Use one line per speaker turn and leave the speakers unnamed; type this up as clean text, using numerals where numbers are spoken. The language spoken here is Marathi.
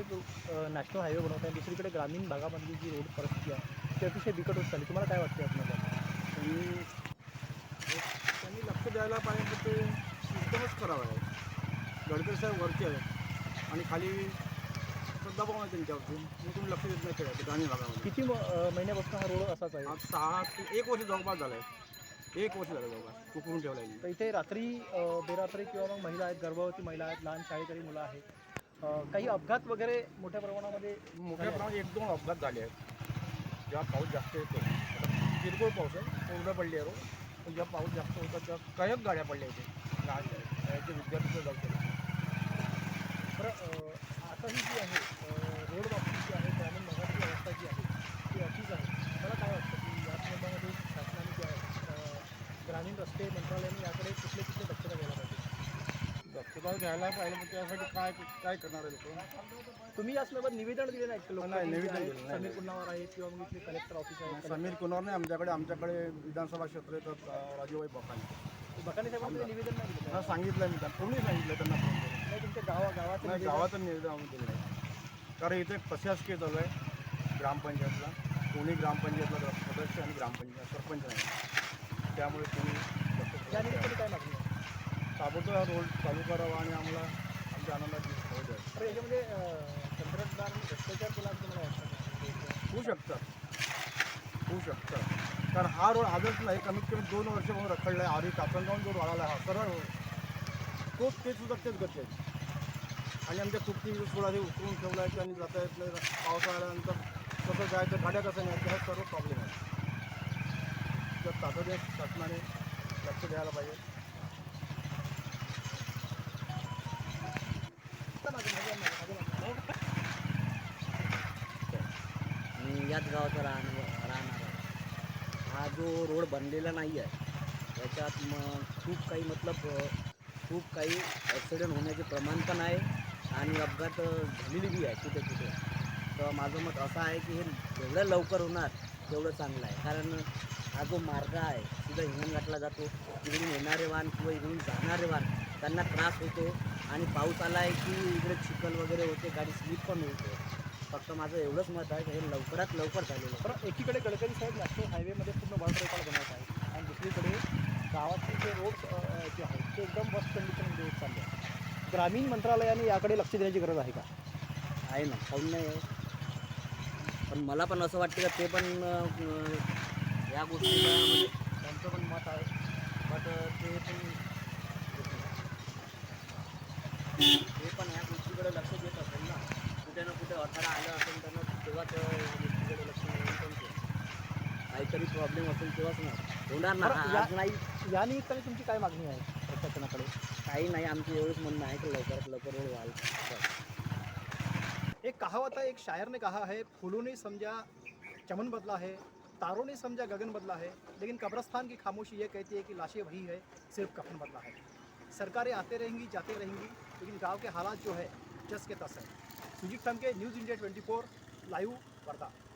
एक नॅशनल हायवे बनवत आहे, दुसरीकडे ग्रामीण भागामधली जी रोड परिस्थिती आहे ती अतिशय बिकट होत चालली. तुम्हाला काय वाटते यातनं?
त्यांनी त्यांनी लक्ष द्यायला पाहिजे, तर ते सिस्टमच खराब आहे. गडकरी साहेब वरचे आहेत आणि खाली दबाव आहे त्यांच्यावरती, मग तुम्ही लक्ष देत नाही खेळायचं ग्रामीण भागामध्ये.
किती महिन्यापासून हा रोड असाच आहे?
आज 6 ते 1 वर्ष जवळपास झालं आहे. 1 वर्ष झालं जवळपास उकळून ठेवला आहे.
तर इथे रात्री बेरात्री किंवा मग महिला आहेत, गर्भवती महिला आहेत, लहान शाळेकरी मुलं आहेत. काही अपघात वगैरे मोठ्या प्रमाणामध्ये
मोठ्या प्रमाणात 1-2 अपघात झाले आहेत. जेव्हा पाऊस जास्त येतो, आता किरकोळ पाऊस आहे, कोरडं पडली आहे रोड, पण जेव्हा पाऊस जास्त होता तेव्हा कयक गाड्या पडल्या इथे. लहान शाळेचे विद्यार्थी जाऊ शकतात.
तर आता ही जी आहे रोड बाबतीत जी आहे ग्रामीण भागातली अवस्था जी आहे ती अशीच आहे. मला काय वाटतं की या संदर्भामध्ये शासनाने जे आहे ग्रामीण रस्ते मंत्रालयाने याकडे कुठले कुठले दक्षता घ्यायला पाहिजे?
दक्षता घ्यायला पाहिजे, पण त्यासाठी काय काय करणार आहे लोक?
तुम्ही या संदर्भात निवेदन दिले नाही का?
नाही, निवेदन दिलं नाही.
समीर कुन्हावर आहेत किंवा मग इथले कलेक्टर ऑफिस आहे.
समीर कुनार नाही आमच्याकडे विधानसभा क्षेत्र येतात राजूभाई बकाने.
बकाने साहेबांनी ते निवेदन नाही दिलं का?
त्यांना सांगितलं मी, त्यांना कोणी सांगितलं त्यांना फोन करून.
नाही तुमच्या गावाचं
नाही,
निवेदन-
गावाचं निवेदन आम्ही दिलं नाही. कारण इथे प्रशासकीय चालू आहे ग्रामपंचायतला. कोणी ग्रामपंचायतला सदस्य आणि ग्रामपंचायत सरपंच नाही, त्यामुळे कोणी
या निमित्ताने काय मागणी आहे?
ताबडतोब हा रोड चालू करावा आणि आम्हाला आमच्या आनंदाची होऊ द्या.
तर याच्यामध्ये तंत्रज्ञान आणि भ्रष्टाचार केला असं मला वाटतं.
होऊ शकतं कारण हा रोड आजच नाही, कमीत कमी 2 वर्ष म्हणून रखडला आहे. आधी कासनगावून जो रोड आला हा सरळ रोड, ते सुद्धा तेच गती आहे. आणि आमच्या कुठली थोडासे उतरून ठेवला आहे आणि जाता येत नाही. पावसाळा आल्यानंतर कसं जायचं, गाड्या कसं नाही, हा सर्व प्रॉब्लेम आहे. तर तातडीने शासनाने लक्ष द्यायला पाहिजे.
मी याच गावाचा राहणार आहे. हा जो रोड बनलेला नाही आहे याच्यात खूप काही ॲक्सिडेंट होण्याचे प्रमाण पण आहे आणि अपघात झालेली बी आहे कुठे कुठे. तर माझं मत असं आहे की हे जेवढं लवकर होणार तेवढं चांगलं आहे. कारण हा जो मार्ग आहे सीधा हिंगणघाटला जातो, इकडून येणारे वाहन किंवा इकडून जाणारे वाहन त्यांना त्रास होतो आणि पाऊस आला आहे की इकडे चिखल वगैरे होते, गाडी स्लिप पण होते. फक्त माझं एवढंच मत आहे की हे लवकरात लवकर झालेलं आहे.
बरं, एकीकडे गडकरी साहेब नॅशनल हायवेमध्ये पूर्ण वर्ल्ड रेकॉर्ड बनवत आहेत आणि दुसरीकडे गावातले जे रोड्स जे आहेत ते एकदम वर्स्ट कंडिशनमध्ये होत चालले आहेत. ग्रामीण मंत्रालयाने याकडे लक्ष देण्याची गरज आहे का?
आहे ना, काऊन नाही आहे. पण मला पण असं वाटते का ते पण या गोष्टीला म्हणजे त्यांचं पण मत आहे, बट ते पण ह्या गोष्टीकडे लक्ष देत असेल ना. कुठे ना कुठे अडथळा आला असेल त्यांना तेव्हाच या गोष्टीकडे लक्ष देऊन पण ते काहीतरी प्रॉब्लेम असेल तेव्हाच ना होणार ना.
बरं,
आज नाही
या निमित्ताने तुमची काय मागणी आहे प्रशासनाकडे?
काही नाही, आमचं एवढंच म्हणणं आहे की लवकरात लवकर रोड व्हायला बस.
एक कहावत है, एक शायर ने कहा है, फूलों ने समझा चमन बदला है, तारों ने समझा गगन बदला है, लेकिन कब्रस्तान की खामोशी ये कहती है कि लाशें वही है, सिर्फ कफन बदला है. सरकारें आते रहेंगी जाते रहेंगी, लेकिन गांव के हालात जो है जस के तस है. Sujit Thamke, news India 24 live Wardha.